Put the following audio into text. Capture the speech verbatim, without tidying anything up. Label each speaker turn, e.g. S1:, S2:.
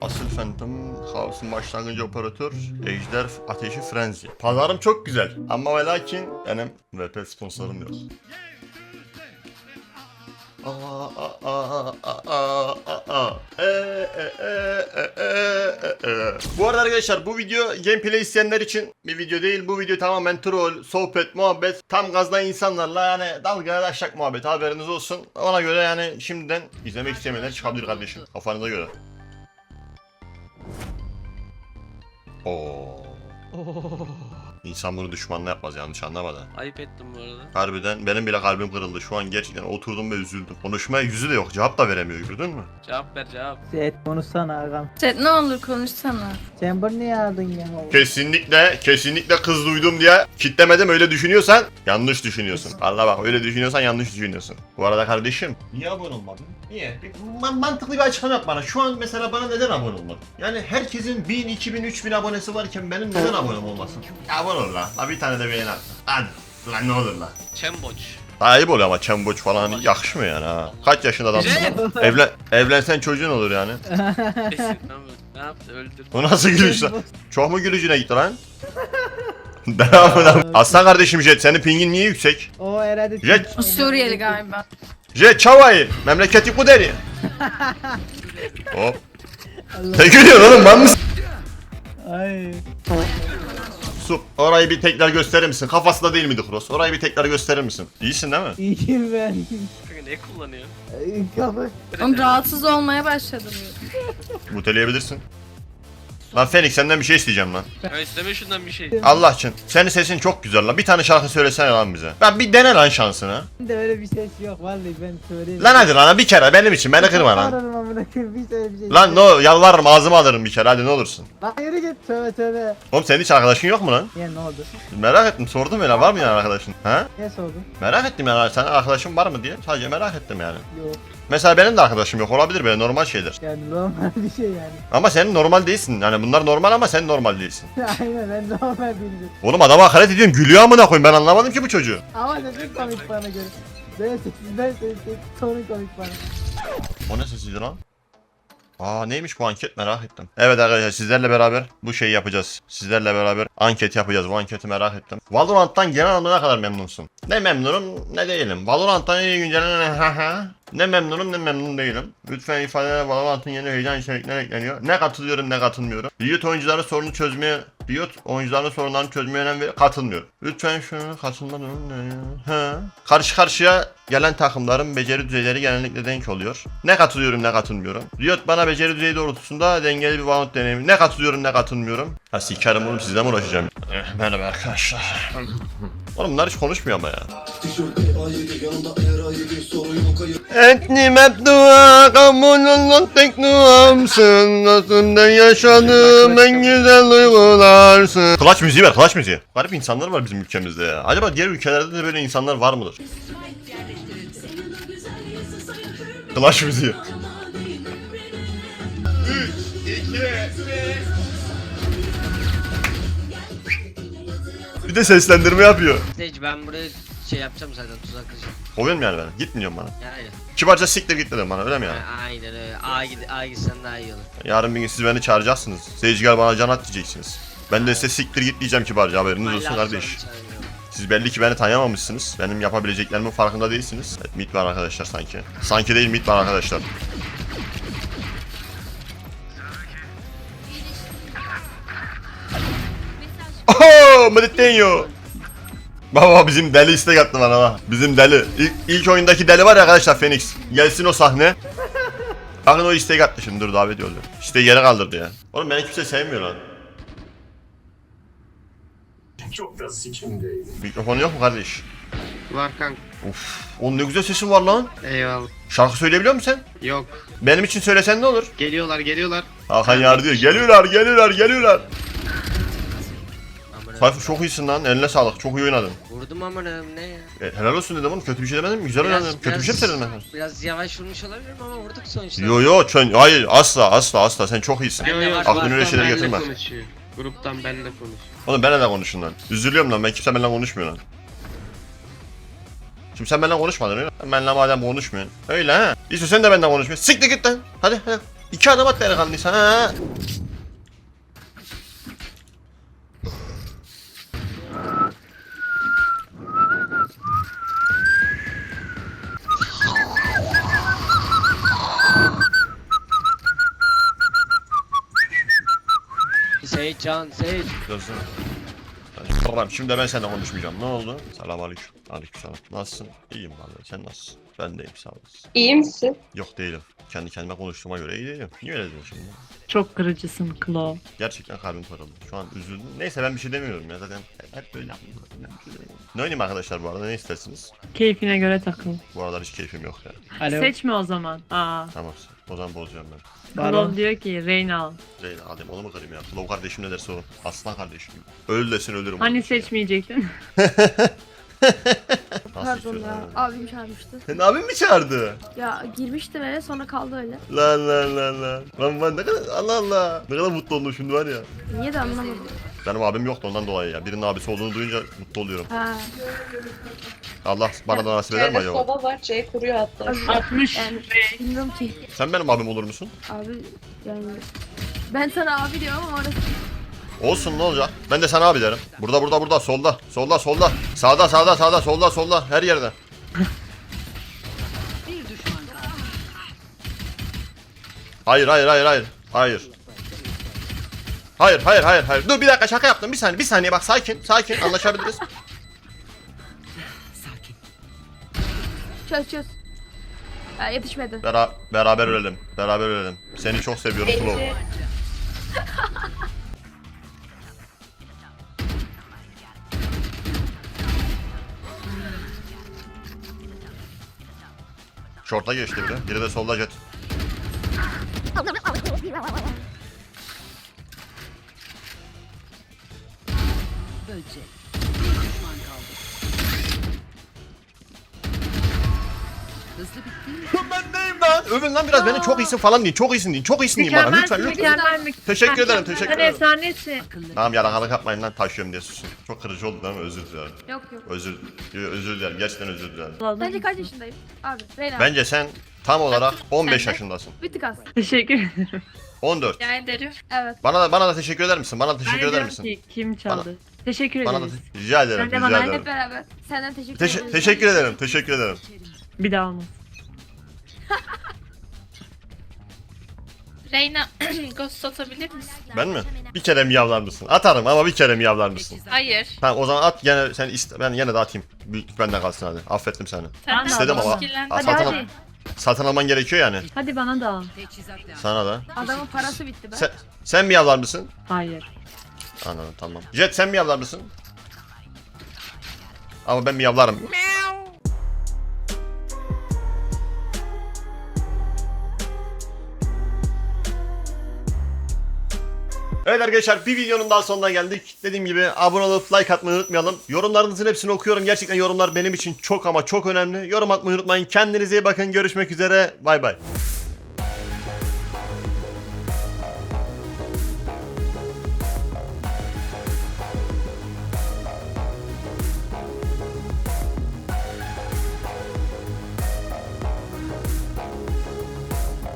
S1: Asıl Phantom, Kaos'un başlangıcı operatör, Ejder, Ateşi, Frenzy. Pazarım çok güzel ama ve lakin benim V P sponsorum yok. Aa, aa, aa, aa, aa, aa. E, e, e, e, e, e. Bu arada arkadaşlar bu video gameplay isteyenler için bir video değil. Bu video tamamen troll, sohbet, muhabbet, tam gazdan insanlarla yani dalga daşlak muhabbet, haberiniz olsun. Ona göre yani şimdiden izlemek istemeyenler çıkabilir kardeşim, kafanıza göre. Oo. İnsan bunu düşmanla yapmaz, yanlış anlama da.
S2: Ayıp ettim bu arada.
S1: Harbiden benim bile kalbim kırıldı. Şu an gerçekten oturdum ve üzüldüm. Konuşmaya yüzü de yok. Cevap da veremiyor, gördün mü?
S2: Cevap ver cevap.
S3: Set konuşsana ağam.
S4: Set ne olur konuşsana.
S3: Chamber niye aldın ya?
S1: Kesinlikle, kesinlikle kız duydum diye kitlemedim, öyle düşünüyorsan yanlış düşünüyorsun. Allah bak, öyle düşünüyorsan yanlış düşünüyorsun. Bu arada kardeşim, niye abone olmadın? Niye? Bir man- mantıklı bir açıklama yap bana. Şu an mesela bana neden abone olmadın? Yani herkesin bin, iki bin, üç bin abonesi varken benim neden abonem olmasın? Abone ol la. La bir tane de beğeni at. Hadi. Lan ne olur la.
S2: Çemboç.
S1: Ayıp oluyor ama çemboç falan hani yakışmıyor yani ha. Kaç yaşında adamsın? Evlen, evlensen çocuğun olur yani.
S2: Kesin. Ne yaptı öldür.
S1: Bu nasıl gülüş lan? Çok mu gülücüne gitti lan? Devam edelim. Aslan kardeşim Jet, senin pingin niye yüksek?
S3: O herhalde...
S1: Jet.
S4: O Suriyeli galiba.
S1: Jet çavayı, memleketi Kuderi. Hop. Ne gülüyorsun oğlum, ben mısın?
S3: Ay.
S1: Sup, orayı bir tekrar gösterir misin? Kafası da değil miydi Cross? Orayı bir tekrar gösterir misin? İyisin değil mi?
S3: İyiyim ben.
S2: Kanka ne kullanıyor?
S3: Ay, Kapı.
S4: Oğlum rahatsız olmaya başladım.
S1: Muteleyebilirsin. Lan Fenix, senden bir şey isteyeceğim lan.
S2: Ya isteme şundan bir şey.
S1: Allah için. Senin sesin çok güzel lan. Bir tane şarkı söylesene lan bize. Ben bir dene lan şansını.
S3: De öyle bir ses yok vallahi ben söyleyeyim.
S1: Lan hadi lan, bir kere benim için, beni kırma lan.
S3: Bağırırım amına koyayım, bir söyle bir şey.
S1: Lan no, yalvarırım, ağzıma alırım bir kere, hadi ne olursun.
S3: Lan yürü git tövbe tövbe.
S1: Oğlum senin hiç arkadaşın yok mu lan?
S3: Ya ne oldu?
S1: Merak ettim, sordum öyle, var mı yani arkadaşın? Ha?
S3: Ne sordu?
S1: Merak ettim yani, senin arkadaşın var mı diye. Sadece merak ettim yani.
S3: Yok.
S1: Mesela benim de arkadaşım yok, olabilir, böyle normal şeyler.
S3: Yani normal bir şey yani.
S1: Ama senin normal değilsin. Yani bunlar normal ama sen normal değilsin.
S3: Aynen ben normal değilim.
S1: Oğlum adama hakaret ediyorsun, gülüyor amına koyayım, ben anlamadım ki bu çocuğu.
S3: Ama sesin komik bana göre. Ben sessiz ben sessiz sorun komik bana.
S1: O ne sesiydi lan? Aa neymiş bu anket, merak ettim. Evet arkadaşlar, sizlerle beraber bu şeyi yapacağız. Sizlerle beraber anket yapacağız. Bu anketi merak ettim. Valorant'tan genel anlamda ne kadar memnunsun? Ne memnunum ne değilim. Valorant'tan yeni güncellenen ha ha. Ne memnunum ne memnun değilim. Lütfen ifadeler, Valorant'ın yeni heyecan içeriklerine ekleniyor. Ne katılıyorum ne katılmıyorum. Riot oyuncuların sorunu çözmeye Riot oyuncuların sorunlarını çözmeye önem ver, katılmıyorum. Lütfen şunu katılma durum ne ya? Ha. Karşı karşıya gelen takımların beceri düzeyleri genellikle denk oluyor. Ne katılıyorum ne katılmıyorum. Riot bana beceri düzeyi doğrultusunda dengeli bir Valorant deneyimi. Ne katılıyorum ne katılmıyorum. Ha sikerim oğlum, sizle mi uğraşacağım? Eh, merhaba arkadaşlar. Oğlum bunlar hiç konuşmuyor ama ya. Etni mebdua kamunun tek duamsın. Nasılda yaşadığım en güzel duygularsın. Clutch müziği ver, Clutch müziği. Garip insanlar var bizim ülkemizde ya. Acaba diğer ülkelerde de böyle insanlar var mıdır? Clutch müziği. üç, iki, bir. Bir de seslendirme yapıyor.
S5: Stage ben buraya şey yapacağım zaten, tuzak kıracağım.
S1: Kovuyorum yani ben. Gitmiyorum bana.
S5: Yani
S1: Kibarca siktir git dedim bana, öyle mi yani?
S5: a- aynen öyle. A gid A gitsen daha iyi olur.
S1: Yarın bir gün siz beni çağıracaksınız. Seyirciler bana can at diyeceksiniz. Ben de size siktir git diyeceğim kibarca, haberiniz olsun
S5: Hala
S1: kardeş.
S5: sorun çağırmıyorum.
S1: Siz belli ki beni tanıyamamışsınız. Benim yapabileceklerimin farkında değilsiniz. Evet, mit var arkadaşlar sanki. Sanki değil, mit var arkadaşlar. Oho! Meditenyo! Baba bizim deli istek attı bana bak. Bizim deli. İlk, ilk oyundaki deli var ya arkadaşlar, Phoenix. Gelsin o sahne. Bakın o istek attı şimdi, dur davet yolluyor. İşte yere kaldırdı ya. Oğlum beni kimse sevmiyor lan.
S6: Çok da sikimdeyim.
S1: Mikrofonu yok mu kardeş?
S5: Var kanka.
S1: Uf, oğlum ne güzel sesin var lan.
S5: Eyvallah.
S1: Şarkı söyleyebiliyor musun sen?
S5: Yok.
S1: Benim için söylesen ne olur?
S5: Geliyorlar geliyorlar.
S1: Hakan Yar diyor. Geliyorlar, geliyorlar, geliyorlar.
S5: Amına.
S1: Sayfa çok iyisin lan. Eline sağlık. Çok iyi oynadın.
S5: Vurdum amına ne ya?
S1: E, helal olsun dedim oğlum. Kötü bir şey demedim mi? Güzel
S5: Biraz-
S1: oynadın. Kötü bir şey mi
S5: biraz-
S1: söyledim ben?
S5: Biraz yavaş vurmuş olabilirim ama vurduk sonuçta.
S1: Yo yo çön. Hayır asla asla asla. Sen çok iyisin.
S5: Yo, yo,
S1: Aklına öyle
S5: gruptan
S1: şeyler
S5: benle
S1: getirme.
S5: konuşuyor. Gruptan benle konuş.
S1: Oğlum benimle konuşun lan. Üzülüyorum lan. Ben kimse benimle konuşmuyor lan. Şimdi sen benimle konuşmadın öyle. Benimle madem konuşmuyorsun. Öyle ha. İşte sen de benden konuşmuyorsun. Siktir git lan. Hadi hadi. İki adım at delikanlıysan ha.
S5: Seyit Can, Seyit.
S1: Gözüm. Tamam şimdi ben seninle konuşmayacağım. Ne oldu? Selam aleyküm. Aleyküm selam. Nasılsın? İyiyim vallahi. Sen nasılsın? Ben de iyiyim sağ olasın.
S7: İyi misin?
S1: Yok değilim. Kendi kendime konuştuğuma göre iyi değilim. Niye öyle diyorsun şimdi?
S8: Çok kırıcısın Klo.
S1: Gerçekten kalbim kırıldı. Şu an üzüldüm. Neyse ben bir şey demiyorum ya zaten. Hep böyle yapıyorum. Ne oynayayım arkadaşlar bu arada ne istersiniz?
S8: Keyfine göre takıl.
S1: Bu aralar hiç keyfim yok ya.
S5: Alo.
S8: Seçme o zaman. Aa.
S1: Tamam. O zaman bozacağım ben.
S8: Klo diyor ki Reyna al.
S1: Zeyna alayım onu mu kırayım ya? Kulav kardeşim ne derse o. Aslan kardeşim. Öl desin ölürüm.
S8: Hani
S1: onu.
S8: seçmeyecektin?
S1: Nasıl
S9: Pardon
S1: istiyorsun
S9: ya.
S1: abi?
S9: Abim çağırmıştı.
S1: Senin abin mi çağırdı?
S9: Ya girmiştim eve sonra kaldı öyle.
S1: Lan lan lan lan. Lan ben ne kadar Allah Allah. Ne kadar mutlu oldum şimdi var ya.
S9: Niye de anlamadım.
S1: Benim abim yoktu ondan dolayı ya. Birinin abisi olduğunu duyunca mutlu oluyorum.
S9: Ha.
S1: Allah bana da nasip eder mi
S7: C'de
S1: acaba?
S7: soba var, C kuruyor hatta.
S8: altmış.
S9: Yani bilmiyorum ki.
S1: Sen benim abim olur musun?
S9: Abi yani ben sana abi diyorum ama orası
S1: Olsun ne olacak? Ben de sana abi derim. Burada burada burada solda. Solda solda. Sağda sağda sağda solda solda. Her yerde. Hayır hayır hayır hayır. Hayır. Hayır hayır hayır hayır. Dur bir dakika şaka yaptım. Bir saniye bir saniye bak sakin sakin anlaşabiliriz.
S9: çöz çöz. Ya, yetişmedi.
S1: Bera beraber ölelim. Beraber ölelim. Seni çok seviyorum Flo.
S7: Ece,
S1: Şorta geçti biri. Biri de solda jet. Lan ben neyim lan? Övün lan biraz beni çok iyisin falan deyin. Çok iyisin deyin. Çok iyisin deyin bana lütfen
S8: Mükemmelsin,
S1: lütfen.
S8: mükemmel mi?
S1: Teşekkür ederim teşekkür
S8: Sen
S1: ederim.
S8: efsanesin.
S1: Tamam yalakalık yapmayın lan taşıyorum diye susun. Çok kırıcı oldu değil mi? Özür dilerim.
S9: Yok yok.
S1: Özür, özür dilerim. Gerçekten özür dilerim.
S9: Sence kaç yaşındayım? Abi Reyna.
S1: Bence sen tam olarak on beş
S4: Sen de.
S1: yaşındasın.
S9: Bir tık az.
S8: Teşekkür ederim.
S1: on dört.
S4: Rica ederim.
S9: Evet.
S1: Bana da bana da teşekkür eder misin? Bana da
S8: Ben
S1: teşekkür
S8: de
S1: eder
S8: diyorum
S1: misin?
S8: ki kim çaldı? Teşekkür
S1: Bana da
S8: ederiz.
S1: rica ederim.
S8: Sen de
S1: Rica
S8: bana
S1: ederim.
S9: Hep beraber. Senden teşekkür
S1: Teş-
S9: ederim.
S1: teşekkür ederim. Teşekkür ederim.
S8: Bir daha olmaz.
S4: Reyna ghost atabilir misin?
S1: Ben mi? Bir kere miyavlar mısın? Atarım ama bir kere miyavlar mısın?
S4: Hayır.
S1: Tamam o zaman at gene sen iste ben yine de atayım. Büyük benden kalsın hadi. Affettim seni.
S4: Sen de
S1: İstedim ama.
S4: ilgilen.
S1: Aa,
S8: Hadi
S1: satın,
S8: hadi.
S1: satın alman gerekiyor yani.
S8: Hadi bana da al.
S1: Sana da.
S9: Adamın parası bitti be.
S1: Sen, sen miyavlar mısın?
S8: Hayır.
S1: Anladım tamam. Jet sen miyavlar mısın? Ama ben miyavlarım. Evet arkadaşlar bir videonun daha sonuna geldik. Dediğim gibi abone olup like atmayı unutmayalım. Yorumlarınızın hepsini okuyorum. Gerçekten yorumlar benim için çok ama çok önemli. Yorum atmayı unutmayın. Kendinize iyi bakın. Görüşmek üzere. Bay bay.